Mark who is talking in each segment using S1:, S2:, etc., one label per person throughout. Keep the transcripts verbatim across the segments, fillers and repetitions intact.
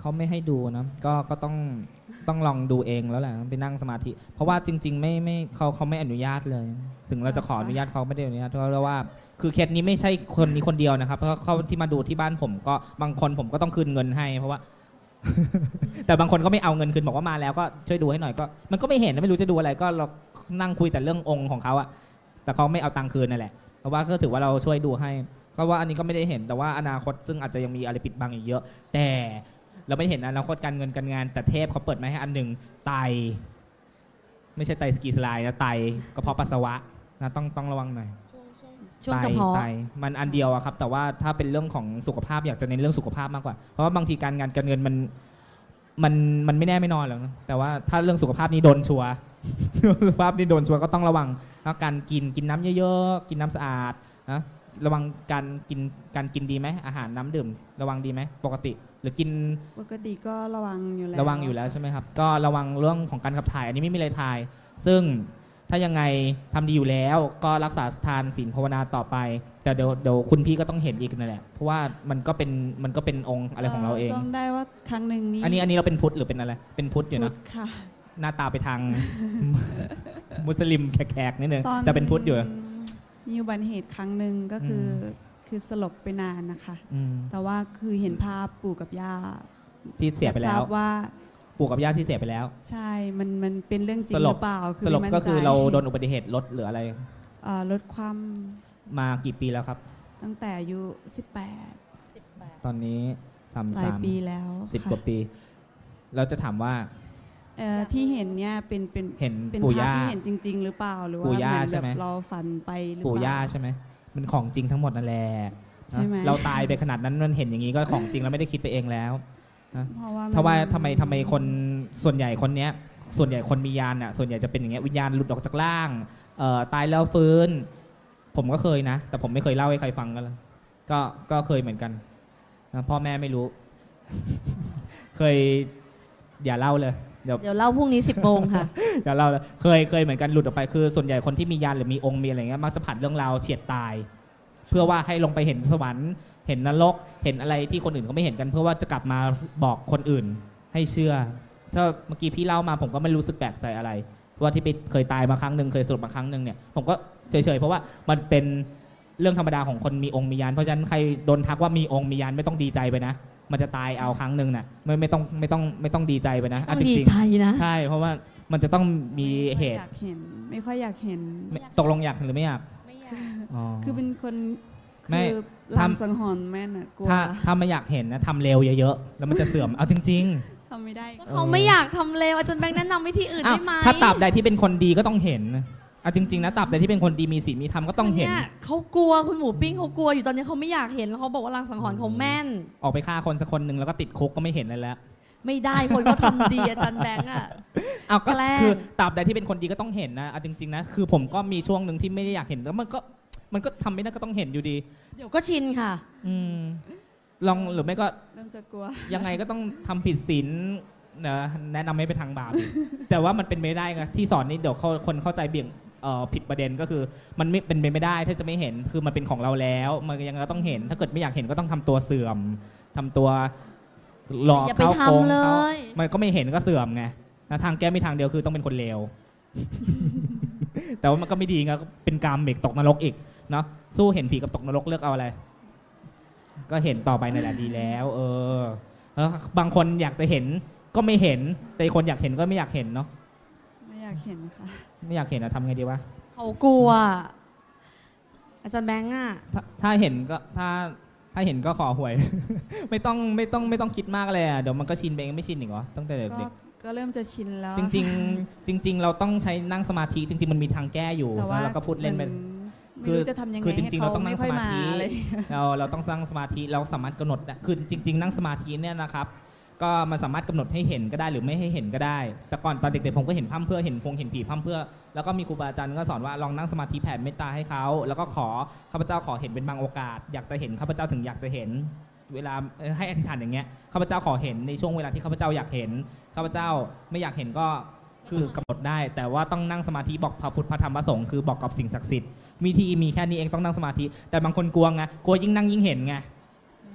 S1: เขาไม่ให้ดูนะก็ก็ต้องต้องลองดูเองแล้วแหละไปนั่งสมาธิเพราะว่าจริงๆไม่ไม่เขาเขาไม่อนุญาตเลยถึงเราจะขออนุญาตเขาไม่ได้อนุญาตเพราะว่าคือเคสนี้ไม่ใช่คนนี้คนเดียวนะครับเพราะเขาที่มาดูที่บ้านผมก็บางคนผมก็ต้องคืนเงินให้เพราะว่า แต่บางคนก็ไม่เอาเงินคืนบอกว่ามาแล้วก็ช่วยดูให้หน่อยก็มันก็ไม่เห็นไม่รู้จะดูอะไรก็เรานั่งคุยแต่เรื่ององค์ของเขาอะแต่เขาไม่เอาตังค์คืนนั่นแหละเพราะว่าก็ถือว่าเราช่วยดูให้ก็ว่าอันนี้ก็ไม่ได้เห็นแต่ว่าอนาคตซึ่งอาจจะยังมีอะไรปิดบังอีกเยอะแต่เราไม่เห็นอนาคตการเงินการงานแต่เทพเขาเปิดมาให้อันหนึ่งไตไม่ใช่ไตสกีสไลด์นะไตกระเพาะปัสสาวะนะต้องต้องระวังหน่อย
S2: ช่วงกระเพาะ
S1: ไตมันอันเดียวอะครับแต่ว่าถ้าเป็นเรื่องของสุขภาพอยากจะเน้นเรื่องสุขภาพมากกว่าเพราะว่าบางทีการงานการเงินมันมันมันไม่แน่ไม่นอนหรอกนะแต่ว่าถ้าเรื่องสุขภาพนี้โดนชัวร์ สุขภาพนี้โดนชัวร์ก็ต้องระวังแล้วการกินกินน้ำเยอะๆกินน้ำสะอาดนะระวังการกินการกินดีไหมอาหารน้ำดื่มระวังดีไหมปกติหรือกิน
S3: ปกติก็ระวังอยู่แล้ว
S1: ระวังอยู่แล้วใช่ไหมครับก็ระวังเรื่องของการขับถ่ายอันนี้ไม่มีอะไรทายซึ่งถ้ายังไงทำดีอยู่แล้วก็รักษาทานศีลภาวนาต่อไปแต่เดี๋ยวเดี๋ยวคุณพี่ก็ต้องเห็นอีกนั่นแหละเพราะว่ามันก็เป็นมันก็เป็นองค์อะไรของเราเอง
S3: จำได้ว่าครั้งหนึ่งนี้
S1: อันนี้อันนี้เราเป็นพุทธหรือเป็นอะไรเป็นพุทธอยู่นะ
S3: ค่ะ
S1: หน้าตาไปทาง มุสลิมแขกๆนิดนึงแต่เป็นพุทธอยู่
S3: มีอุบัติเหตุครั้งหนึ่งก็คือคือสลบไปนานนะคะแต่ว่าคือเห็นภาพปู่กับย่า
S1: ที่เสียไปแล้ว
S3: ว่า
S1: ปู่กับย่าที่เสียไปแล้ว
S3: ใช่มันมันเป็นเรื่องจริงหรือเปล่า
S1: สลบก็คือเราโดนอุบัติเหตุรถหรืออะไร
S3: รถความ
S1: มากี่ปีแล้วครับ
S3: ตั้งแต่อายุสิบแปด
S1: ตอนนี้สามสิบ
S3: ปีแล้ว
S1: สิบกว่าปีเราจะถามว่า
S3: ที่เห็นเนี่ยเป็นเป็น
S1: เห็น
S3: เป็นภาพที่เห็นจริงๆหรือเปล่าหรือว่าเหมือนแบบเราฝันไปหรือเปล่า
S1: ปู่ย่าใช่ไหมมันของจริงทั้งหมดนั่นแหละเราตายไปขนาดนั้นมันเห็นอย่างนี้ก็ของจริงแล้วไม่ได้คิดไปเองแล้วเพราะว่าทำไมทำไมคนส่วนใหญ่คนเนี้ยส่วนใหญ่คนมียานอ่ะส่วนใหญ่จะเป็นอย่างเงี้ยวิญญาณหลุดออกจากร่างตายแล้วฟื้นผมก็เคยนะแต่ผมไม่เคยเล่าให้ใครฟังกันเลยก็ก็เคยเหมือนกันพ่อแม่ไม่รู้ เคยอย่าเล่าเลย
S2: เดี๋ยวเดี๋ยวเล่าพรุ่งนี้สิบโมงค่ะ
S1: อย่าเล่าเลยเคยเคยเหมือนกันหลุดออกไปคือส่วนใหญ่คนที่มียานหรือมีองค์มีอะไรเงี้ยมักจะผัดเรื่องราวเฉียดตายเพื่อว่าให้ลงไปเห็นสวรรค์เห็นนรกเห็นอะไรที่คนอื่นเขาไม่เห็นกันเพื่อว่าจะกลับมาบอกคนอื่นให้เชื่อถ้าเมื่อกี้พี่เล่ามาผมก็ไม่รู้สึกแปลกใจอะไรเพราะว่าที่ไปเคยตายมาครั้งหนึ่งเคยสลบมาครั้งหนึ่งเนี่ยผมก็เฉยๆเพราะว่ามันเป็นเรื่องธรรมดาของคนมีองค์มียานเพราะฉะนั้นใครโดนทักว่ามีองค์มียานไม่ต้องดีใจไปนะมันจะตายเอาครั้งหนึ่งน่ะไม่ไม่ต้องไม่ต้องไม่ต้องดีใจไปนะ
S2: ต้องดีใจนะ
S1: ใช่เพราะว่ามันจะต้องมีเหตุ
S3: อยากเห็นไม่ค่อยอยากเห็น
S1: ตกลงอยากหรือไม่อยาก
S2: ไม่อยาก
S3: คือเป็นคนคือลางสังหรณ์แม่น่ะกลัว
S1: ถ้าถ้าไม่อยากเห็นนะทำเร็วเยอะๆแล้วมันจะเสื่อมเอาจริง
S3: ๆทำไม่ได้
S2: เขาไม่อยากทำเร็วอาจารย์แบงค์แนะนำวิธีอื่นได้ไหม
S1: ถ้าตราบใดที่เป็นคนดีก็ต้องเห็นเอาจริงๆนะตราบใดที่เป็นคนดีมีศีลมีธรรมก็ต้องเห็น
S2: เขากลัวคุณหมูปิ้งเขากลัวอยู่ตอนนี้เขาไม่อยากเห็นแล้วเขาบอกว่าลางสังหรณ์เขาแม่น
S1: ออกไปฆ่าคนสักคนหนึ่งแล้วก็ติดคุกก็ไม่เห็นเลยแล้ว
S2: ไม่ได้คนเขาทำดีอาจารย์แบงค์อ่ะ
S1: เอาก็คือตราบใดที่เป็นคนดีก็ต้องเห็นนะเอาจริงๆนะคือผมก็มีช่วงหนึ่งที่ไม่ได้อยากเห็นแล้วมันก็มันก็ทำไม่ได้ก็ต้องเห็นอยู่ดี
S2: เดี๋ยวก็ชินค่ะ
S1: อืมลองหรือไม่ก็
S3: เริ่มจะกลัว
S1: ยังไงก็ต้องทำผิดศีลนะแนะนำให้ไปทางบาป แต่ว่ามันเป็นไม่ได้ไงที่สอนนี้เดี๋ยวคนเข้าใจเบี่ยงผิดประเด็นก็คือมันไม่เป็นไปไม่ได้ถ้าจะไม่เห็นคือมันเป็นของเราแล้วมันยังก็ต้องเห็นถ้าเกิดไม่อยากเห็นก็ต้องทำตัวเสื่อมทำตัวหลอกเขาโกงเขามันก็ไม่เห็นก็เสื่อมไงทางแก้ไม่ทางเดียวคือต้องเป็นคนเลว แต่ว่ามันก็ไม่ดีไงเป็นกรรมเบกตกนรกอีกเนาะสู้เห็นผีกับตกนรกเลือกเอาอะไรก็เห็นต่อไปนั่นแหละดีแล้วเออแล้วบางคนอยากจะเห็นก็ไม่เห็นแต่คนอยากเห็นก็ไม่อยากเห็นเนาะ
S3: ไม่อยากเห็นค่ะ
S1: ไม่อยากเห็นอะทำไงดีวะ
S2: เขากลัวอาจารย์แบงค์อะ
S1: ถ้าเห็นก็ถ้าถ้าเห็นก็ขอหวย ไม่ต้องไม่ต้องไม่ต้องคิดมากเลยอะเดี๋ยวมันก็ชินไปเองไม่ชินอีกเหรอตั้งแต่เด็ก
S3: ก็เริ่มจะชินแล้ว
S1: จริงๆจริงๆเราต้องใช้นั่งสมาธิจริงๆมันมีทางแก้อยู่แล้วเราก็พูดเล่นไป
S3: คือจะทำยังไงให้เขาไม่ค่อยมา
S1: เราเราต้องสร้างสมาธิเราสามารถกำหนดคือจริงๆนั่งสมาธิเนี่ยนะครับก็มันสามารถกำหนดให้เห็นก็ได้หรือไม่ให้เห็นก็ได้แต่ก่อนตอนเด็กๆผมก็เห็นพร่ำเพื่อเห็นพงเห็นผีพร่ำเพื่อแล้วก็มีครูบาอาจารย์ก็สอนว่าลองนั่งสมาธิแผ่เมตตาให้เขาแล้วก็ขอข้าพเจ้าขอเห็นเป็นบางโอกาสอยากจะเห็นข้าพเจ้าถึงอยากจะเห็นเวลาให้อธิษฐานอย่างเงี้ยข้าพเจ้าขอเห็นในช่วงเวลาที่ข้าพเจ้าอยากเห็นข้าพเจ้าไม่อยากเห็นก็คือกำหนดได้แต่ว่าต้องนั่งสมาธิบอกพระพุทธพระธรรมพระสงฆ์คือบอกกับสิ่งศักดิ์สิทธิ์วิธีมีแค่นี้เองต้องนั่งสมาธิแต่บางคนกลัวไงกลัวยิ่งนั่งยิ่งเห็นไง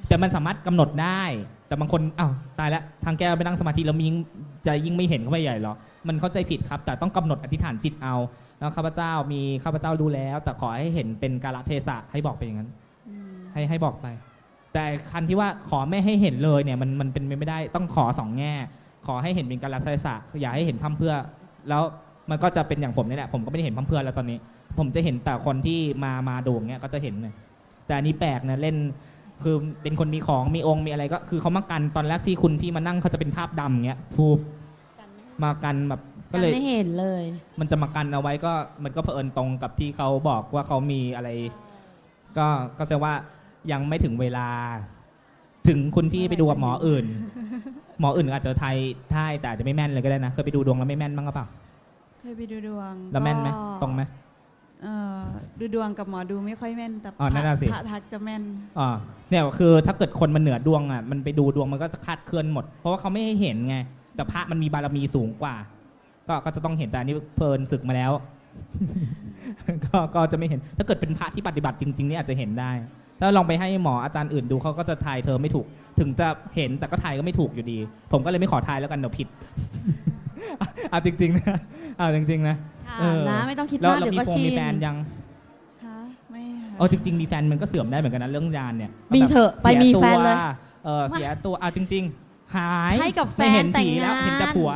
S1: แต่มันสามารถกำหนดได้ แต่บางคนอ้าวตายแล้วทางแก้วไปนั่งสมาธิแล้วยิ่งจะยิ่งไม่เห็นเข้าไปใหญ่หรอมันเข้าใจผิดครับแต่ต้องกำหนดอธิษฐานจิตเอาแล้วข้าพเจ้ามีข้าพเจ้ารู้แล้ว แต่ขอให้เห็นเป็นกาลเทศะให้บอกไปอย่างนั้นให้ให้บอกไป แต่คันที่ว่าขอไม่ให้เห็นเลยเนี่ยมันมันเป็นไม่ได้ต้องขอสองแง่ขอให้เห็นเป็นกาลเทศะอย่าให้เห็นพร่ำเพรื่อแล้วมันก็จะเป็นอย่างผมนี่แหละผมก็ไม่ได้เห็นพร่ำเพรื่อแล้วตอนนี้ผมจะเห็นแต่คนที่มามาดูอย่างเงี้ยก็จะเห็นเลยแต่อันนี้แปลกนะเล่นคือเป็นคนมีของมีองค์มีอะไรก็คือเขามากันตอนแรกที่คุณพี่มานั่งเขาจะเป็นภาพดำเงี้ยทูบมากันแบบก็เลย
S2: ไม่เห็นเลย
S1: มันจะมากันเอาไว้ก็มันก็เผอิญตรงกับที่เขาบอกว่าเขามีอะไรก็ก็แสดงว่ายังไม่ถึงเวลาถึงคุณพี่ไปดูกับหมออื่นหมออื่นอาจจะไทยไทยแต่อาจจะไม่แม่นเลยก็ได้นะเคยไปดูดวงแล้วไม่แม่นบ้างหรือเปล่า
S3: เคยไปดูดวง
S1: แล้วแม่นไหมตรงไหม
S3: ดูดวงกับหมอดูไม่ค่อยแม่นแต่พระทักจะแม่น
S1: อ๋อเนี่ยคือถ้าเกิดคนมันเหนือดวงอ่ะมันไปดูดวงมันก็จะคาดเคลื่อนหมดเพราะว่าเขาไม่ให้เห็นไงแต่พระมันมีบารมีสูงกว่าก็ก็จะต้องเห็นแต่อันนี้เพลินศึกมาแล้ว ก็ก็จะไม่เห็นถ้าเกิดเป็นพระที่ปฏิบัติจริงๆนี่อาจจะเห็นได้ถ้าลองไปให้หมออาจารย์อื่นดูเขาก็จะทายเธอไม่ถูกถึงจะเห็นแต่ก็ทายก็ไม่ถูกอยู่ดีผมก็เลยไม่ขอทายแล้วกันเดี๋ยวผิดเอาจริงๆนะเอาจริงๆนะ
S2: นะไม่ต้องคิดมากเดี๋ยวก็ชิน
S1: มีแฟนยัง
S3: คะไม่
S1: เออจริงๆมีแฟนมันก็เสื่อมได้เหมือนกันนะเรื่องยานเนี่ย
S2: มีเถอะไปมีแฟนเลย
S1: เออเสียตัวเอาจริงๆหาย
S2: ให้กับแฟนแต่งงาน
S1: เห็นแต่ผัว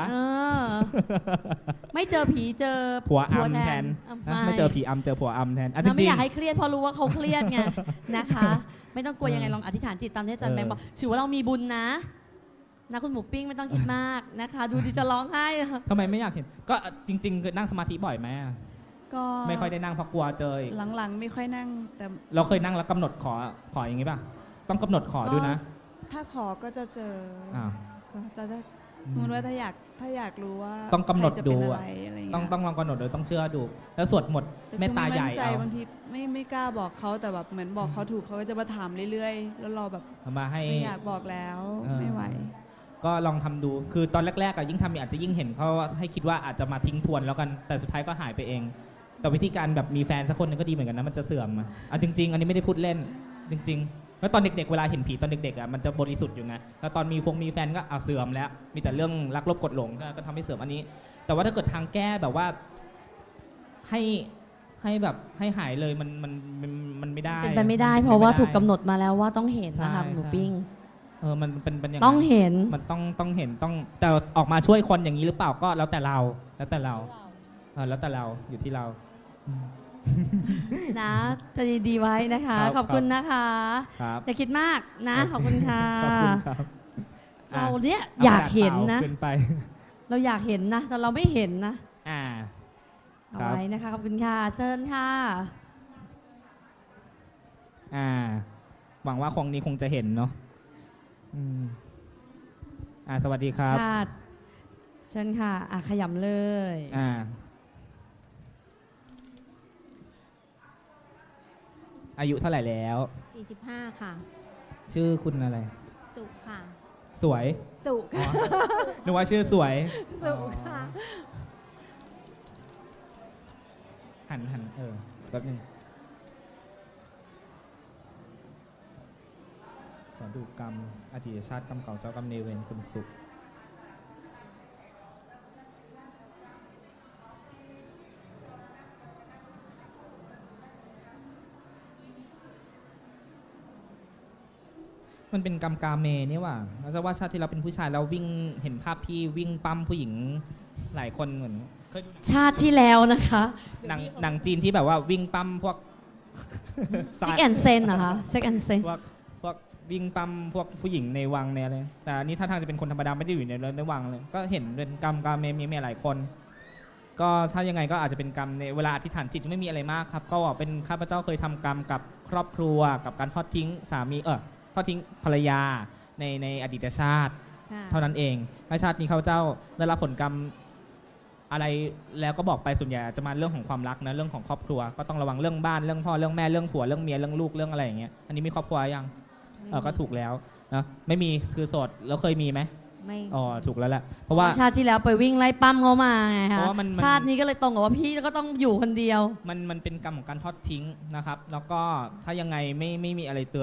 S2: ไม่เจอผีเจอ
S1: ผัวอัมแทนไม่เจอผีอัมเจอผัวอัมแทน
S2: เราไม่อยากให้เครียดเพราะรู้ว่าเขาเครียดไงนะคะไม่ต้องกลัวยังไงลองอธิษฐานจิตตามที่อาจารย์แบงค์บอกถือว่าเรามีบุญนะนะคุณหมูปิ้งไม่ต้องคิดมากนะคะดูดิจะร้องไห้
S1: ทำไมไม่อยากเห็นก็จริงๆคือนั่งสมาธิบ่อยไหม
S3: ก็
S1: ไม่ค่อยได้นั่งเพราะกลัวเจอ
S3: หลังๆไม่ค่อยนั่งแต่
S1: เราเคยนั่งแล้วกำหนดขอขออย่างงี้ป่ะต้องกำหนดขอด้วยนะ
S3: ถ้าขอก็จะเจอก็จะสมมติว่าถ้าอยากถ้าอยากรู้ว่า
S1: ต้องกำหนดดูต้องต้องลองกำหนดโดยต้องเชื่อดูแล้วสวดหมดเมตตาใหญ่เอา
S3: บางทีไม่ไม่กล้าบอกเขาแต่แบบเหมือนบอกเขาถูกเขาก็จะมาถามเรื่อยๆแล้วเราแบบ
S1: มาให้
S3: ไม่อยากบอกแล้วไม่ไหว
S1: ก็ลองทำดูคือตอนแรกๆยิ่งทำอาจจะยิ่งเห็นเขาให้คิดว่าอาจจะมาทิ้งทวนแล้วกันแต่สุดท้ายก็หายไปเองแต่วิธีการแบบมีแฟนสักคนนึงก็ดีเหมือนกันนะมันจะเสื่อมอ่ะจริงๆอันนี้ไม่ได้พูดเล่นจริงๆแล้วตอนเด็กๆเวลาเห็นผีตอนเด็กๆอ่ะมันจะบริสุทธิ์อยู่ไงแล้วตอนมีฟงมีแฟนก็เอาเสื่อมแล้วมีแต่เรื่องรักลบกดหลงก็ทำให้เสื่อมอันนี้แต่ว่าถ้าเกิดทางแก้แบบว่าให้ให้แบบให้หายเลยมันมันมันไม่ได้
S2: เป็นไปไม่ได้เพราะว่าถูกกำหนดมาแล้วว่าต้องเห็นนะคะหมูปิ้ง
S1: เออมันเป็นเป็นอย่าง
S2: ต้องเห็น
S1: มันต้องต้องเห็นต้องแต่ออกมาช่วยคนอย่างนี้หรือเปล่าก็แล้วแต่เราแล้วแต่เราเออแล้วแต่เราอยู่ที่เรา
S2: นะจะดีๆไว้นะคะขอบคุณนะคะอย่าคิดมากนะขอบคุณค่ะเราเนี่ยอยากเห็นนะเราอยากเห็นนะแต่เราไม่เห็นนะเอาไว้นะคะขอบคุณค่ะเชิญค่ะ
S1: อ่าหวังว่าคงนี้คงจะเห็นเนาะอ่าสวัสดีครับ
S2: ค่ะเชิญค่ะอ่ะขยำเลย
S1: อ่าอายุเท่าไหร่แล้ว
S4: สี่สิบห้าค่ะ
S1: ชื่อคุณอะไร
S4: สุค่ะ
S1: สวย
S4: สุค่ะ
S1: นึกว่าชื่อสวย
S4: สุค่ะ
S1: หันหันเออแป๊บนึงขอดูกรรมอดีตชาติกรรมเก่าเจ้ากรรมนายเวรคุณสุขมันเป็นกรรมกาเมนี่ว่าเราจะว่าชาติที่เราเป็นผู้ชายเราวิ่งเห็นภาพพี่วิ่งปั้มผู้หญิงหลายคนเหมือน
S2: ชาติที่แล้วนะคะ
S1: หนังหนังจีนที่แบบว่าวิ่งปั้มพวก
S2: ซิกแอนเซนเหรอคะซิกแอนเซน
S1: พวกพวกวิ่งปั้มพวกผู้หญิงในวังในอะไรแต่อันนี้ถ้าทางจะเป็นคนธรรมดาไม่ได้อยู่ในในวังเลยก็เห็นเป็นกรรมกาเมมีมีหลายคนก็ถ้ายังไงก็อาจจะเป็นกรรมในเวลาอธิษฐานจิตไม่มีอะไรมากครับก็เป็นข้าพเจ้าเคยทำกรรมกับครอบครัวกับการทอดทิ้งสามีเออทอดทิ้งภรรยาในในอดีตชาติเท่านั้นเองในชาตินี้ข้าพเจ้าได้รับผลกรรมอะไรแล้วก็บอกไปส่วนใหญ่จะมาเรื่องของความรักนะเรื่องของครอบครัวก็ต้องระวังเรื่องบ้านเรื่องพ่อเรื่องแม่เรื่องผัวเรื่องเมียเรื่องลูกเรื่องอะไรอย่างเงี้ยอันนี้มีครอบครัวยังเออก็ถูกแล้วนะไม่มีคือโสดแล้วเคยมีไหมไม่อ๋อถูกแล้วแหละเพราะว่า
S2: ชาติที่แล้วไปวิ่งไล่ปั้มเขามาไงคะชาตินี้ก็เลยตรงกับว่าพี่ก็ต้องอยู่คนเดียว
S1: มันมันเป็นกรรมของการทอดทิ้งนะครับแล้วก็ถ้ายังไงไม่ไม่มีอะไรเตือน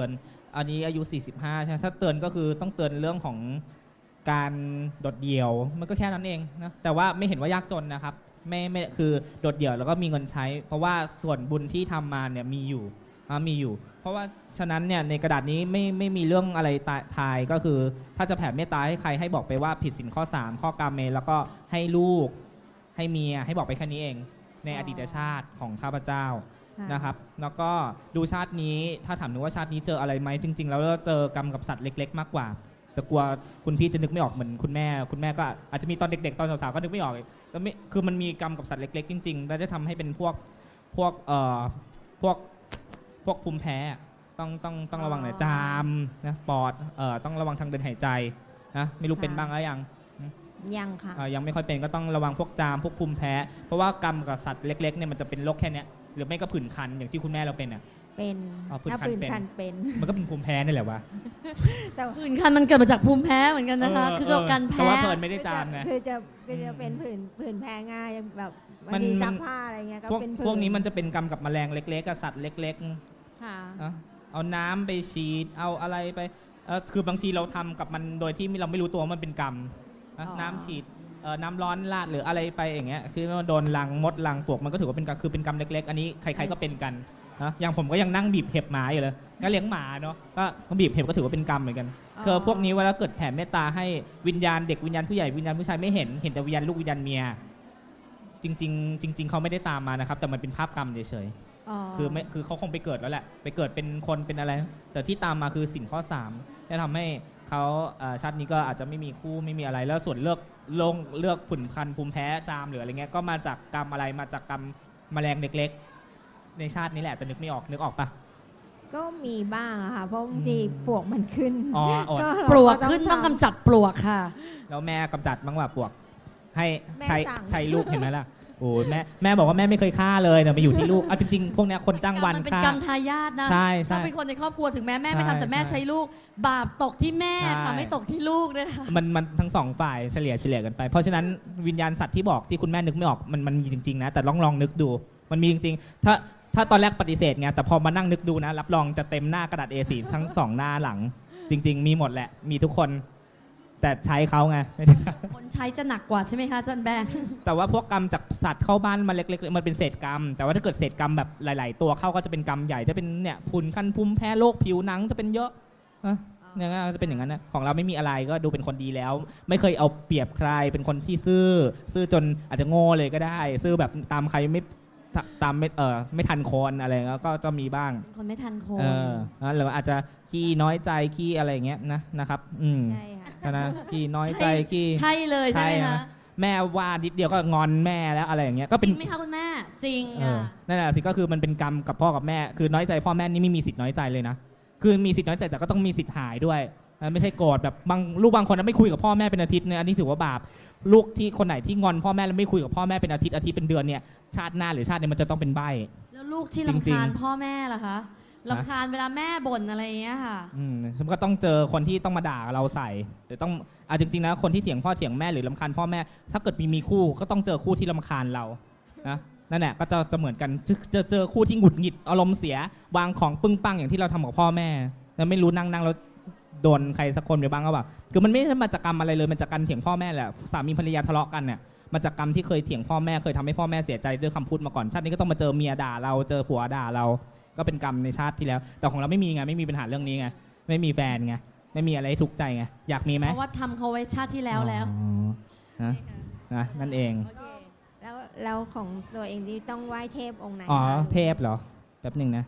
S1: อันนี้อายุสี่สิบห้าใช่ไหมถ้าเตือนก็คือต้องเตือนเรื่องของการโดดเดี่ยวมันก็แค่นั้นเองนะแต่ว่าไม่เห็นว่ายากจนนะครับไม่ไม่คือโดดเดี่ยวแล้วก็มีเงินใช้ เพราะว่าส่วนบุญที่ทำมาเนี่ยมีอยู่มีอยู่ เพราะว่าฉะนั้นเนี่ยในกระดาษนี้ไม่ไม่มีเรื่องอะไรทายก็คือถ้าจะแผ่เมตตาให้ใครให้บอกไปว่าผิดศีลข้อสามข้อกาเมแล้วก็ให้ลูกให้เมียให้บอกไปแค่นี้เองในอดีตชาติของข้าพเจ้านะครับแล้วก็ดูชาตินี้ถ้าถามหนูว่าชาตินี้เจออะไรไหมจริงๆแล้วเจอกรรมกับสัตว์เล็กๆมากกว่าแต่กลัวคุณพี่จะนึกไม่ออกเหมือนคุณแม่คุณแม่ก็อาจจะมีตอนเด็กๆตอนสาวๆก็นึกไม่ออกแต่ไม่คือมันมีกรรมกับสัตว์เล็กๆจริงๆแล้วจะทำให้เป็นพวกพวกเอ่อพวกพวกภูมิแพ้ต้องต้องต้องระวังหน่อยจามนะปอดเอ่อต้องระวังทางเดินหายใจนะไม่รู้เป็นบ้างหรือยัง
S4: ยังค่ะ
S1: ยังไม่ค่อยเป็นก็ต้องระวังพวกจามพวกภูมิแพ้เพราะว่ากรรมกับสัตว์เล็กๆเนี่ยมันจะเป็นโรคแค่นี้หรือไม่ก็ผื่นคันอย่างที่คุณแม่เราเป็นอ่ะ
S4: เป็นถ้าผื่นคันเป็น
S1: มันก็เป็นภูมิแพ้นี่แหละวะ
S2: แต่ผื่นคันมันเกิดมาจากภูมิแพ้เหมือนกันนะคะคือการแพ้
S1: แต่ว่าเพิ่นไม่ได้จามไง
S4: คือจะคือจะเป็นผื่นผื่นแพ้ง่ายแบบบางทีซักผ้าอะไรเงี้ยก็เป็นผื่น
S1: พวกนี้มันจะเป็นกรรมกับแมลงเล็กๆกับสัตว์เล็ก
S4: ๆค่ะ
S1: เอาน้ำไปฉีดเอาอะไรไปคือบางทีเราทำกับมันโดยที่เราไม่รู้ตัวมันเป็นกรรมน้ำฉีดน้ำร้อนราดหรืออะไรไปอย่างเงี้ยคือโดนรังมดรังปลวกมันก็ถือว่าเป็นคือเป็นกรรมเล็กๆอันนี้ใครๆก็เป็นกันนะอย่างผมก็ยังนั่งบีบเห็บหมาอยู่เลยก็เลี้ยงหมาเนาะก็บีบเห็บก็ถือว่าเป็นกรรมเหมือนกันคือพวกนี้เวลาเกิดแผ่เมตตาให้วิญญาณเด็กวิญญาณผู้ใหญ่วิญญาณผู้ชายไม่เห็นเห็นแต่วิญญาณลูกวิญญาณเมียจริงๆจริงๆเขาไม่ได้ตามมานะครับแต่มันเป็นภาพกรรมเฉยๆคือไม่คือเขาคงไปเกิดแล้วแหละไปเกิดเป็นคนเป็นอะไรแต่ที่ตามมาคือสินข้อสามจะทำให้เขาชาตินี้ก็อาจจะไม่มีคู่ไม่มีอะไรแล้วส่วนเลือกลงเลือกผุ่นคันภูมิแพ้จามหรืออะไรเงี้ยก็มาจากกรรมอะไรมาจากกรรมแมลงเล็กๆในชาตินี้แหละแต่นึกไม่ออกนึกออกปะ
S4: ก็มีบ้างอะค่ะเพราะบางทีปลวกมันขึ้น
S1: อ๋อ
S2: ปลวกขึ้นต้องกำจัดปลวกค่ะ
S1: แล้วแม่กำจัดบ้างว่าปลวกให้ใช้ใช้ลูกเห็นไหมล่ะโอ้แม่แม่บอกว่าแม่ไม่เคยฆ่าเลยเนี่ยมาอยู่ที่ลูกเอาจริงๆพวกนี้คนจ้างวันฆ่า
S2: มันเป็นกรรมทายาทนะ
S1: ใช่
S2: ใช่ต้องเป็นคนในครอบครัวถึงแม่แม่ไม่ทำแต่แม่ใช้ลูกบาปตกที่แม่ค่ะไม่ตกที่ลูกด้วยค่ะ
S1: มันมันทั้งสองฝ่ายเฉลี่ยเฉลี่ยกันไปเพราะฉะนั้นวิญญาณสัตว์ที่บอกที่คุณแม่นึกไม่ออกมันมันมีจริงๆนะแต่ลองลองนึกดูมันมีจริงๆถ้าถ้าตอนแรกปฏิเสธไงแต่พอมานั่งนึกดูนะรับรองจะเต็มหน้ากระดาษ เอ โฟร์ ทั้งสองหน้าหลังจริงๆมีหมดแหละมีทุกคนแต่ใช้เขาไง
S2: คนใช้จะหนักกว่าใช่ไหมคะจันแบง
S1: แต่ว่าพวกกรรมจากสัตว์เข้าบ้านมาเล็กๆมันเป็นเศษกรรมแต่ว่าถ้าเกิดเศษกรรมแบบหลายๆตัวเข้าก็จะเป็นกรรมใหญ่จะเป็นเนี่ยผื่นคันภูมิแพ้โรคผิวหนังจะเป็นเยอะอย่างนั้นจะเป็นอย่างนั้นนะของเราไม่มีอะไรก็ดูเป็นคนดีแล้วไม่เคยเอาเปรียบใครเป็นคนที่ซื่อซื่อจนอาจจะโง่เลยก็ได้ซื่อแบบตามใครไม่ตามไม่เออไม่ทันคนอะไรก็จะมีบ้าง
S2: คนไม่ทันคน
S1: เออหรือว่าอาจจะขี้น้อยใจขี้อะไรอย่างเงี้ยนะนะครับอืม
S4: ใช่ค่ะ
S1: นะขี้น้อยใจขี้
S2: ใช่เลยใช่ไหมคะ
S1: แม่ว่านิดเดียวก็งอนแม่แล้วอะไรอย่างเงี้ยก็เป็น
S2: จริงไหมคะคุณแม่จริงอ่ะ
S1: นั่นแหละสิก็คือมันเป็นกรรมกับพ่อกับแม่คือน้อยใจพ่อแม่นี่ไม่มีสิทธิ์น้อยใจเลยนะคือมีสิทธิ์น้อยใจแต่ก็ต้องมีสิทธิ์หายด้วยไม่ใช่โกรธแบบบางลูกบางคนไม่คุยกับพ่อแม่เป็นอาทิตย์เนี่ยอันนี้ถือว่าบาปลูกที่คนไหนที่งอนพ่อแม่แล้วไม่คุยกับพ่อแม่เป็นอาทิตย์อาทิตย์เป็นเดือนเนี่ยชาติหน้าหรือชาตินี้มันจะต้องเป็นใบ้
S2: แล้วลูกที่รำคาญพ่อแม่ล่ะคะรำคาญเวลาแม่บ่นอะไรอย่างเงี้ยค่ะ
S1: อืมฉันก็ต้องเจอคนที่ต้องมาด่าเราใส่หรือต้องอ่ะจริงๆนะคนที่เถียงพ่อเถียงแม่หรือรำคาญพ่อแม่ถ้าเกิดมีมีคู่ก็ต้องเจอคู่ที่รำคาญเรานะนั่นแหละก็จะจะเหมือนกันจะเจอคู่ที่หงุดหงิดอารมณ์เสียวางของปึ้งปังอย่างที่เราทำกับพ่อแม่แล้วไม่รู้นั่งนั่งแล้วโดนใครสักคนไปบ้างก็แบบคือมันไม่ใช่มาจากกรรมอะไรเลยมันจากการเถียงพ่อแม่แหละสามีภรรยาทะเลาะกันเนี่ยมาจากกรรมที่เคยเถียงพ่อแม่เคยทำให้พ่อแม่เสียใจด้วยคำพูดมาก่อนชาตินี้ก็ต้องมาเจอเมียด่าเราเจอผัวด่าเราก็เป็นกรรมในชาติที่แล้วแต่ของเราไม่มีไงไม่มีปัญหาเรื่องนี้ไงไม่มีแฟนไงไม่มีอะไรทุกข์ใจไงอยากมีไหม
S2: เพราะว่าทำเขาไว้ชาติที่แล้วแล้ว
S1: นะนะนั่นเอง
S4: แล้วแล้วของตัวเองที่ต้องไหว้เทพองค์ไหน
S1: อ๋อเทพเหรอแป๊บหนึ่งนะ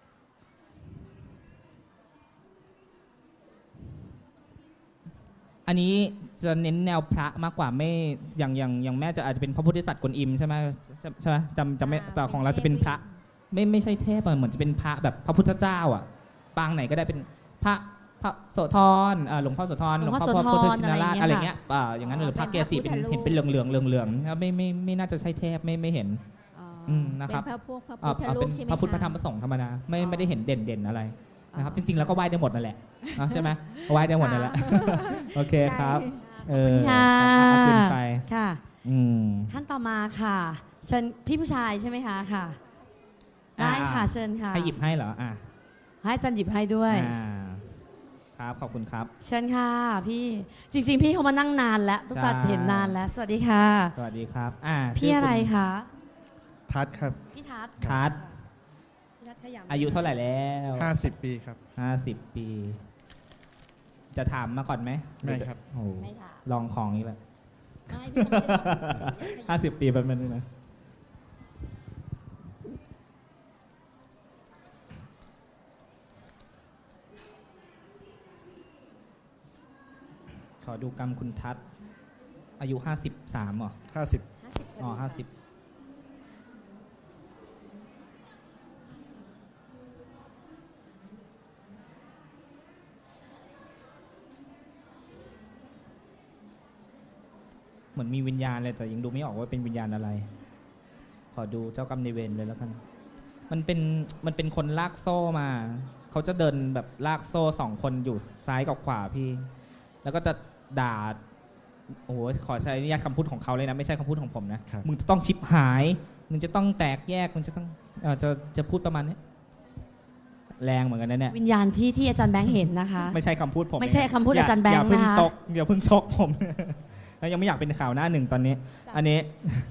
S1: อันนี้จะเน้นแนวพระมากกว่าไม่อย่างอย่างอย่างแม่จะอาจจะเป็นพระพุทธศัตริย์กวนอิมใช่ไหมใช่ไหมจำจำไม่แต่ของเราจะเป็นพระไม่ไม่ใช่เทพเหมือนจะเป็นพระแบบพระพุทธเจ้าอ่ะปางไหนก็ได้เป็นพระพระโสธรหลวงพ่อโสธรหลวงพ่อพุทธชินราชอะไรเงี้ยอย่างนั้นหรือพระเกจิเป็นเห็นเป็นเหลืองเหลืองเหลืองเหลืองไม่ไม่ไม่น่าจะใช่เทพไม่ไม่เห็นนะครับ
S4: เป็นพระพวกพระพุทธรูปใช่ไหม
S1: พระพุทธพระธรรมพระสงฆ์ธรรมดาไม่ไม่ได้เห็นเด่นเด่นอะไรนะครับจริงๆแล้วก็ไหว้ได้หมดนั่นแหละใช่ไหมไหว้ได้หมดนั่นแหละโอเคครับ
S2: ขอบคุณค่ะ
S1: ขึ้นไป
S2: ค่ะท่านต่อมาค่ะเชิญพี่ผู้ชายใช่ไหมคะค่ะได้ค่ะเชิญค่ะ
S1: ให้หยิบให้เหรออ่ะ
S2: ให้จันหยิบให้ด้วย
S1: ครับขอบคุณครับ
S2: เชิญค่ะพี่จริงๆพี่เขามานั่งนานแล้วตุ๊กตาเห็นนานแล้วสวัสดีค่ะ
S1: สวัสดีครับอ่า
S2: พี่อะไรคะ
S5: ทัศครับ
S2: พี่ทัศ
S1: ทัศ
S2: พี่ทัศขยำ
S1: อายุเท่าไหร่แล้ว
S5: ห้าสิบปีครับ
S1: ห้าสิบปีจะถามมาก่อนไหม
S5: ไม่ครับ
S1: โอ้
S2: ไม่ถาม
S1: ลองของอีกแล้ว
S2: ไม่พี่ไม่ได้
S1: ห้าสิบปีแบบนั้นนะขอดูกรรมคุณทัศน์อายุห้าสิบสามเหรอ
S5: ห้าสิบ
S1: อ๋อห้าสิบเหมือนมีวิญญาณเลยแต่ยังดูไม่ออกว่าเป็นวิญญาณอะไรขอดูเจ้ากรรมนายเวรเลยแล้วกันมันเป็นมันเป็นคนลากโซ่มาเขาจะเดินแบบลากโซ่สองคนอยู่ซ้ายกับขวาพี่แล้วก็จะด่าโอ้โหขอใช้อนุญาตคำพูดของเขาเลยนะไม่ใช่คำพูดของผมนะมึงจะต้องชิบหายมึงจะต้องแตกแยกมึงจะต้องเอ่อจะจะพูดประมาณนี้แรงเหมือนกันนะเนี่ย
S2: วิญญาณที่ที่อาจารย์แบงค์เห็นนะคะ
S1: ไม่ใช่คำพูดผม
S2: ไม่ใช่คำพูดอาจารย์แบงค์นะคะ
S1: อย่าเพิ่งตกอย่าเพิ่งชกผมยังไม่อยากเป็นข่าวหน้าหนึ่งตอนนี้อันนี้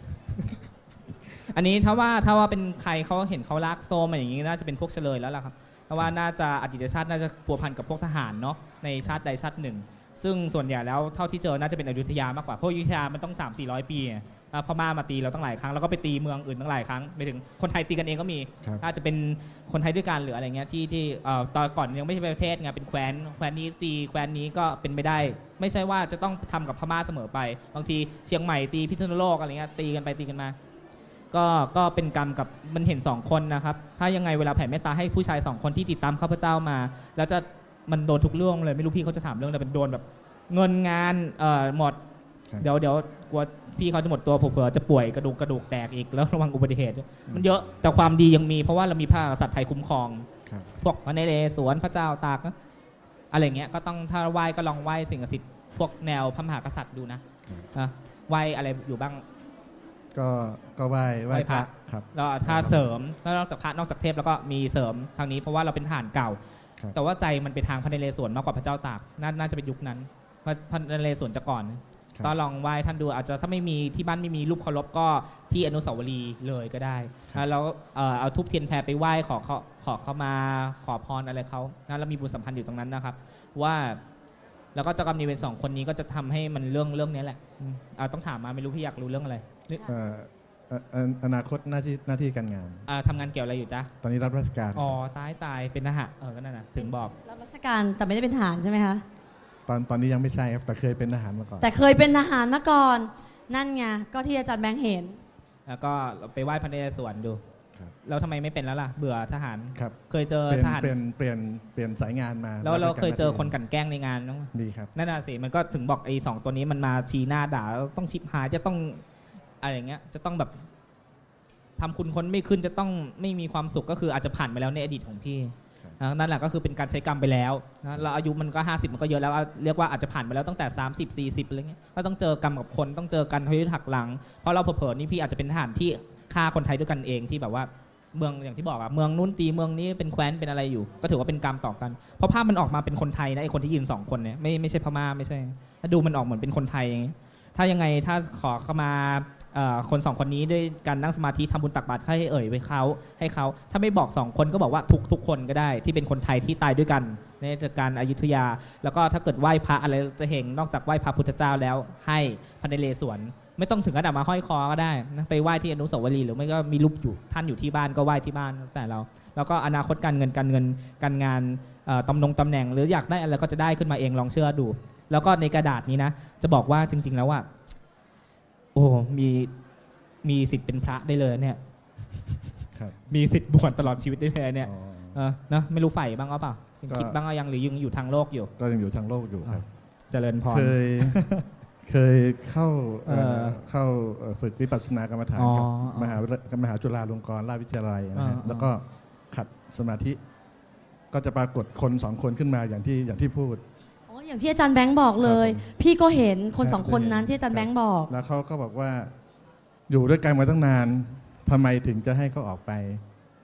S1: อันนี้ถ้าว่าถ้าว่าเป็นใครเขาเห็นเขาลากโซ่มาอย่างนี้น่าจะเป็นพวกเฉลยแล้วล่ะครับเพราะว่าน่าจะอดีตชาติน่าจะพัวพันกับพวกทหารเนาะในชาติใดชาติหนึ่งซึ่งส่วนใหญ่แล้วเท่าที่เจอน่าจะเป็นอยุธยามากกว่าเพราะอยุธยามันต้อง สามสี่ร้อย ปีพม่ามาตีเราตั้งหลายครั้งแล้วก็ไปตีเมืองอื่นตั้งหลายครั้งไปถึงคนไทยตีกันเองก็มีถ้าจะเป็นคนไทยด้วยกันหรืออะไรเงี้ยที่ที่ตอนก่อนยังไม่ใช่ประเทศไงเป็นแคว้นแคว้นนี้ตีแคว้นนี้ก็เป็นไม่ได้ไม่ใช่ว่าจะต้องทำกับพม่าเสมอไปบางทีเชียงใหม่ตีพิษณุโลกอะไรเงี้ยตีกันไปตีกันมาก็ก็เป็นกรรมกับมันเห็นสองคนนะครับถ้ายังไงเวลาแผ่เมตตาให้ผู้ชายสองคนที่ติดตามข้าพเจ้ามาแล้วจะมันโดนทุกเรื่องเลยไม่รู้พี่เขาจะถามเรื่องอะไรเป็นโดนแบบเงินงานเอ่อหมดเดี๋ยวเดี๋ยวกลัวพี่เขาจะหมดตัวเผื่อจะป่วยกระดูกกระดูกแตกอีกแล้วระวังอุบัติเหตุมันเยอะแต่ความดียังมีเพราะว่าเรามีพระกษัตริย์ไทยคุ้มครองพวกพระนเรศวรพระเจ้าตากอะไรเงี้ยก็ต้องถ้าไหว้ก็ลองไหว้สิ่งศักดิ์สิทธิ์พวกแนวพระมหากษัตริย์ดูนะไหว้อะไรอยู่บ้าง
S5: ก็ก็ไหว้ไหว้พระครับ
S1: แล้วถ้าเสริมแล้วนอกจากพระนอกจากเทพแล้วก็มีเสริมทางนี้เพราะว่าเราเป็นทหารเก่าแต่ว่าใจมันไปทางพระนเรศวรมากกว่าพระเจ้าตากน่าจะเป็นยุคนั้นพระนเรศวรจะก่อนก็ลองไหว้ท่านดูอาจจะถ้าไม่มีที่บ้านไม่มีรูปเคารพก็ที่อนุสาวรีย์เลยก็ได้แล้วเอาทุบเทียนแพรไปไหว้ขอเขาขอเขามาขอพรอะไรเขานะแล้วมีบุญสัมพันธ์อยู่ตรงนั้นนะครับว่าแล้วก็เจ้ากรรมนายเวรสองคนนี้ก็จะทำให้มันเรื่องเรื่องนี้แหละต้องถามมาไม่รู้พี่อยากรู้เรื่องอะไร
S5: อนาคตหน้าที่หน้าที่การงาน
S1: ทำงานเกี่ยวอะไรอยู่จ๊ะ
S5: ตอนนี้รับราชการ
S1: อ๋อตายตายเป็นทหารเออก็นั่นนะถึงบอก
S2: รับราชการแต่ไม่ได้เป็นทหารใช่ไหมคะ
S5: ตอนตอนนี้ยังไม่ใช่ครับแต่เคยเป็นทหารมาก่อน
S2: แต่เคยเป็นทหารมาก่อนนั่นไงก็ที่อาจารย์แบงค์เห็น
S1: แล้วก็ไปไหว้พระนเรศวรดูแล้วทำไมไม่เป็นแล้วล่ะเบื่อทหาร
S5: ครับ
S1: เคยเจอทหาร
S5: เปลี่ยนเปลี่ยนเปลี่ยนสายงานมา
S1: แล้วเราเคยเจอคนกันแกล้งในงาน
S5: มั้ยมีครับ
S1: นั่นน่ะสิมันก็ถึงบอกไอ้สองตัวนี้มันมาชี้หน้าด่าต้องชิบหายจะต้องอะไรอย่างเงี้ยจะต้องแบบทำคุณคนไม่ขึ้นจะต้องไม่มีความสุขก็คืออาจจะผ่านไปแล้วในอดีตของพี่นั่นแหละก็คือเป็นการใช้กรรมไปแล้วนะเราอายุมันก็ห้าสิบมันก็เยอะแล้วเรียกว่าอาจจะผ่านไปแล้วตั้งแต่สามสิบ สี่สิบอะไรเงี้ยก็ต้องเจอกรรมกับคนต้องเจอกันทยุหักหลังเพราะเราเผลอๆนี่พี่อาจจะเป็นทหารที่ฆ่าคนไทยด้วยกันเองที่แบบว่าเมืองอย่างที่บอกอะเมืองนู้นตีเมืองนี้เป็นแคว้นเป็นอะไรอยู่ก็ถือว่าเป็นกรรมต่อกันเพราะภาพมันออกมาเป็นคนไทยนะไอ้คนที่ยืนสองคนเนี่ยไม่ไม่ใช่พม่าไม่ใช่ถ้าดูมันออกเหมือนเป็นคนไทยอย่างงี้ถ้ายังไงถ้าขอเข้ามาคนสองคนนี้ด้วยการนั่งสมาธิทำบุญตักบาตรให้เอ่ยไปเขาให้เขาถ้าไม่บอกสองคนก็บอกว่าทุกทุกคนก็ได้ที่เป็นคนไทยที่ตายด้วยกันในการอยุธยาแล้วก็ถ้าเกิดไหว้พระอะไรจะเห็นนอกจากไหว้พระพุทธเจ้าแล้วให้พระนเรศวรไม่ต้องถึงขนาดมาห้อยคอก็ได้นะไปไหว้ที่อนุสาวรีย์หรือไม่ก็มีรูปอยู่ท่านอยู่ที่บ้านก็ไหว้ที่บ้านแต่เราแล้วก็อนาคตการเงินการเงินการงานตำแหน่งตำแหน่งหรืออยากได้อะไรก็จะได้ขึ้นมาเองลองเชื่อดูแล้วก็ในกระดาษนี้นะจะบอกว่าจริงๆแล้วว่าโอ้มีมีสิทธิ์เป็นพระได้เลยเนี่ยมีสิทธิ์บวชตลอดชีวิตได้เลยเนี่ยเออนะไม่รู้ใฝ่บ้างหรือเปล่าคิดบ้างยังหรือยังอยู่ทางโลกอยู่
S5: ก็ยังอยู่ทางโลกอยู่ครับ
S1: เจริญพร
S5: เคยเคยเข้าเข้าฝึกวิปัสสนากรรมฐานกับมหามหาจุฬาลงกรณราชวิทยาลัยนะฮะแล้วก็ขัดสมาธิก็จะปรากฏคนสองคนขึ้นมาอย่างที่อย่างที่พูด
S2: อ๋ออย่างที่อาจารย์แบงค์บอกเลยพี่ก็เห็นคนสองคนนั้นที่อาจารย์แบงค์บอก
S5: แล้วเขาก็บอกว่าอยู่ด้วยกันมาตั้งนานทำไมถึงจะให้เขาออกไป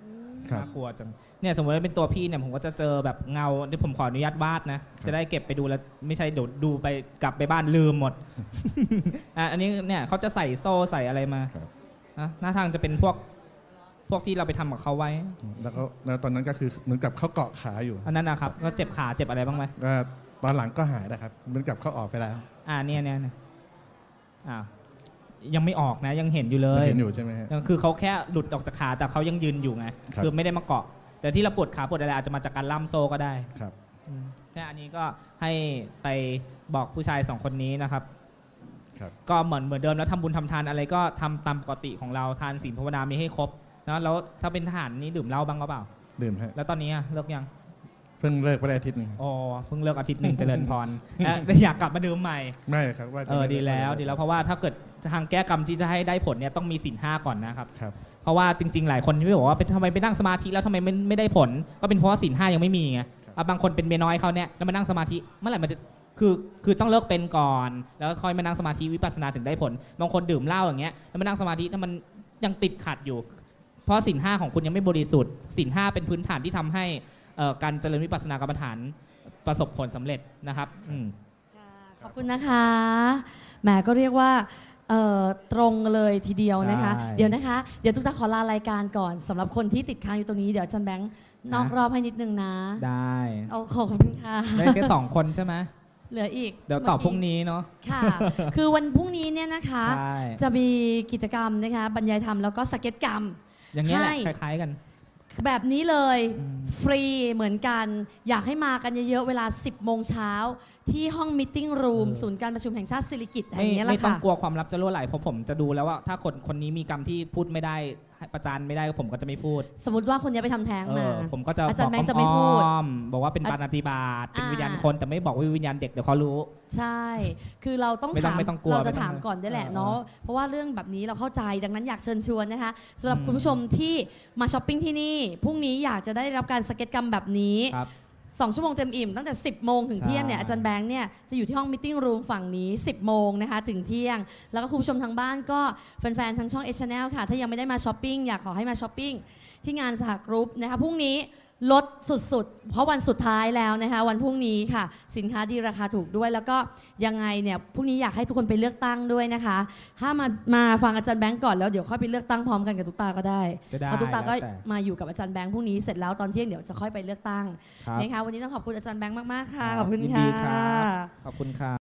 S5: ครับ
S1: น่ากลัวจังเนี่ยสมมติว่าเป็นตัวพี่เนี่ยผมก็จะเจอแบบเงาที่ผมขออนุญาตวาดนะจะได้เก็บไปดูแล้วไม่ใช่เดี๋ยวดูไปกลับไปบ้านลืมหมด อ่ะอันนี้เนี่ยเขาจะใส่โซ่ใส่อะไรมา
S5: ครับ
S1: อ่ะหน้าทางจะเป็นพวกพวกที่เราไปทำกับเขาไว้
S5: แล้วก็แล้วตอนนั้นก็คือเหมือนกับเขาเกาะขาอยู่
S1: อันนั้นนะครับก็เจ็บขาเจ็บอะไรบ้างไหม
S5: ก็ตอนหลังก็หายนะครับเหมือนกับเขาออกไปแล้ว
S1: อ่าเนี่ยเนี่ยเนี่ยอ่ายังไม่ออกนะยังเห็นอยู่เลย
S5: เห็นอยู่ใช่ไหมฮะ
S1: ยังคือเขาแค่หลุดออกจากขาแต่เขายังยืนอยู่ไง
S5: ครับ
S1: คือไม่ได้มาเกาะ แต่ที่เราปวดขาปวดอะไรอาจจะมาจากการล่ำโซ่ก็ได้
S5: ครับ
S1: อืมเนี่ยอันนี้ก็ให้ไปบอกผู้ชายสองคนนี้นะครับ
S5: ครับ
S1: ก็เหมือนเหมือนเดิมแล้วทำบุญทำทานอะไรก็ทำตามปกติของเราทานศีลภาวนามีให้ครบนะแล้วถ้าเป็นทหารนี่ดื่มเหล้าบ้างก็เปล่า
S5: ดื่มฮะ
S1: แล้วตอนนี้อะเลิกยัง
S5: เพิ่งเลิกไปได้อาทิตย์หนึง
S1: อ๋อเพิ่งเลิกอาทิตย์หนึ่งเจริญพรและอยากกลับมาดื่มใหม่
S5: ไม่ครับว่าจะ
S1: เออ
S5: ไม่
S1: ดีแล้ว
S5: ไม่
S1: ดีแล้วเพราะว่าถ้าเกิดทางแก้กรรมที่จะให้ได้ผลเนี่ยต้องมีศีลห้าก่อนนะครับ
S5: ครับ
S1: เพราะว่าจริงๆหลายคนที่บอกว่าเป็นทำไมไปนั่งสมาธิแล้วทำไมไม่ไม่ได้ผล ก็เป็นเพราะว่าศีลห้ายังไม่มีไงอ่ะบางคนเป็นเมียน้อยเขาเนี่ยแล้วมานั่งสมาธิเมื่อไหร่มันจะคือคือต้องเลิกเป็นก่อน แล้วค่อยมานั่งสมาธิวิปัสสนาถึงได้ผล บางคนดื่มเหล้าอย่างเงี้ยแล้วมานั่งสมาธิถ้ามันยังติดขัดอยู่ เพราะศีลห้าของคุณยังไม่บริสุทธิ์ศีลห้าเป็นพื้นฐานที่ทำให้เอ่อการเจริญวิปัสสนากรรมฐานประสบผลสำเร็จนะครับอืม
S2: ค่ะขอบคุณนะคะแหมก็เรียกว่าเอ่อตรงเลยทีเดียวนะคะ
S1: ใช่
S2: เดี๋ยวนะคะเดี๋ยวตุ๊กตาขอลารายการก่อนสำหรับคนที่ติดค้างอยู่ตรงนี้เดี๋ยวอาจันแบงค์นอกรอบให้นิดนึงนะ
S1: ได้
S2: เอาขอบคุณค่ะ
S1: ได้แค่สองคนใช่ไหม
S2: เหลืออีก
S1: เดี๋ยวตอบพรุ่งนี้เนาะ
S2: ค่ะ คือวันพรุ่งนี้เนี่ยนะคะ
S1: ใช่
S2: จะมีกิจกรรมนะคะบรรยายธรรมแล้วก็สเก็ตกรรม
S1: อย่างเงี้ยแหละ
S2: ให้
S1: คล้ายๆกัน
S2: แบบนี้เลย
S1: อืม
S2: ฟรีเหมือนกัน อยากให้มากันเยอะๆเวลา สิบโมงเช้าที่ห้องมิทติ้งรูมศูนย์การประชุมแห่งชาติสิริกิติ์แห่
S1: ไม่
S2: งนี้แห
S1: ไม่
S2: ละ
S1: ต้อง
S2: ค่ะ
S1: กลัวความลับจะรั่วไหลเพราะผมจะดูแล้วว่าถ้าคนคนนี้มีกรรมที่พูดไม่ได้ให้ประจานไม่ได้ผมก็จะไม่พูด
S2: สมมติว่าคนนี้ไปทำแท้ง
S1: เอ
S2: มา
S1: อผมก็จะ
S2: อาจารย์
S1: บ
S2: แบ
S1: อก
S2: งค์จะไม่พูด
S1: อ้อมๆบอกว่าเป็นปาณาติบาตเป็น
S2: อ่า
S1: วิญญาณคนแต่ไม่บอกว่าวิญญาณเด็กเดี๋ยวเขารู้
S2: ใช่ คือเราต้อง
S1: ไม่ต้อง
S2: ถาม
S1: ไม่ต้องกลัว
S2: เราจะ
S1: ไม่ต้อง
S2: ถามก่อนได้แหละ
S1: เออ
S2: เนาะ เพราะว่าเรื่องแบบนี้เราเข้าใจ ดังนั้นอยากเชิญชวนนะคะสำหรับ
S1: อืม
S2: คุณผู้ชมที่มาช้อปปิ้งที่นี่ พรุ่งนี้อยากจะได้รับการสเก็ตกรรมแบบนี้
S1: ครับ
S2: สองชั่วโมงเต็มอิ่มตั้งแต่ สิบโมงถึง
S1: ใช่
S2: เที่ยงเนี่ยอาจารย์แบงค์เนี่ยจะอยู่ที่ห้องมิทติ้งรูมฝั่งนี้ สิบโมงนะคะถึงเที่ยง แล้วก็คุณผู้ชมทางบ้านก็แฟนๆทางช่อง เอช แนล ค่ะ ถ้ายังไม่ได้มาช้อปปิ้งอยากขอให้มาช้อปปิ้งที่งานสหกรุ๊ปนะคะพรุ่งนี้ลดสุดๆ เพราะวันสุดท้ายแล้วนะคะวันพรุ่งนี้ค่ะ สินค้าดีราคาถูกด้วย แล้วก็ยังไงเนี่ยพรุ่งนี้อยากให้ทุกคนไปเลือกตั้งด้วยนะคะถ้ามามาฟังอาจารย์แบงค์ก่อนแล้วเดี๋ยวค่อยไปเลือกตั้งพร้อมกันกับตุ๊กตาก็ได้
S1: ก็ได้
S2: เพราะตุ๊กตาก็
S1: แล้วแต่
S2: มาอยู่กับอาจารย์แบงค์พรุ่งนี้เสร็จแล้วตอนเที่ยงเดี๋ยวจะค่อยไปเลือกตั้ง
S1: ครับ
S2: นะคะวันนี้ต้องขอบคุณอาจารย์แบงค์มาก ๆ ค่ะ
S1: ครับ
S2: ขอบคุณ
S1: ยิน
S2: ค่ะ
S1: ดีครับ ขอบคุณครับ